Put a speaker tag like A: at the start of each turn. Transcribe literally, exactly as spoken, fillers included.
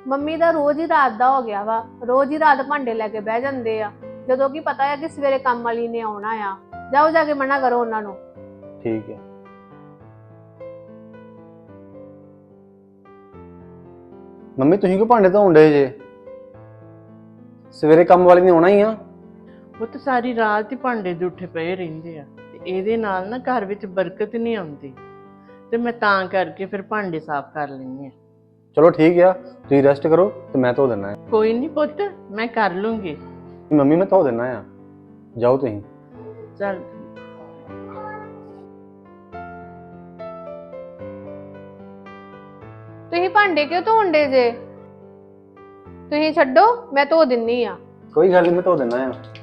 A: Mummy ਦਾ ਰੋਜ਼ ਹੀ ਰਾਤ ਦਾ ਹੋ ਗਿਆ ਵਾ, ਰੋਜ਼ ਹੀ ਰਾਤ ਭਾਂਡੇ ਲੈ ਕੇ ਬਹਿ ਜਾਂਦੇ ਆ, ਜਦੋਂ ਕਿ ਪਤਾ ਹੈ ਕਿ ਸਵੇਰੇ ਕੰਮ ਵਾਲੀ ਨੇ ਆਉਣਾ ਆ। ਜਾਓ ਜਾ ਕੇ ਮਨਾ ਕਰੋ ਉਹਨਾਂ ਨੂੰ।
B: ਠੀਕ ਹੈ। ਮੰਮੀ ਤੁਸੀਂ ਕਿਉਂ ਭਾਂਡੇ ਧੋਣ ਡੇ ਜੇ? ਸਵੇਰੇ ਕੰਮ ਵਾਲੀ ਨੇ ਆਉਣਾ ਹੀ ਆ।
C: ਉਹ ਤਾਂ ਸਾਰੀ ਰਾਤ ਹੀ ਭਾਂਡੇ ਜੂਠੇ ਪਏ ਰਹਿੰਦੇ ਆ ਤੇ ਇਹਦੇ ਨਾਲ ਨਾ ਘਰ ਵਿੱਚ ਬਰਕਤ ਨਹੀਂ ਆਉਂਦੀ, ਤੇ ਮੈਂ ਤਾਂ ਕਰਕੇ ਫਿਰ ਭਾਂਡੇ ਸਾਫ਼ ਕਰ ਲੈਂਦੀ ਆ।
B: ਚਲੋ ਠੀਕ ਆ, ਤੁਸੀਂ ਰੈਸਟ ਕਰੋ ਤੇ ਮੈਂ ਧੋ ਦਿੰਦਾ ਆ।
C: ਕੋਈ ਨਹੀਂ ਪੁੱਤ, ਮੈਂ ਕਰ ਲੂੰਗੀ।
B: ਮੰਮੀ ਮੈਂ ਧੋ ਦਿੰਦਾ ਆ, ਜਾਓ ਤੁਸੀਂ।
C: ਚੱਲ
A: ਤੁਸੀਂ ਭਾਂਡੇ ਕਿਉਂ ਧੋਂਦੇ ਜੇ? ਤੁਸੀਂ ਛੱਡੋ, ਮੈਂ ਧੋ ਦਿੰਨੀ ਆ।
B: ਕੋਈ ਗੱਲ ਨਹੀਂ, ਮੈਂ ਧੋ ਦਿੰਦਾ ਆ।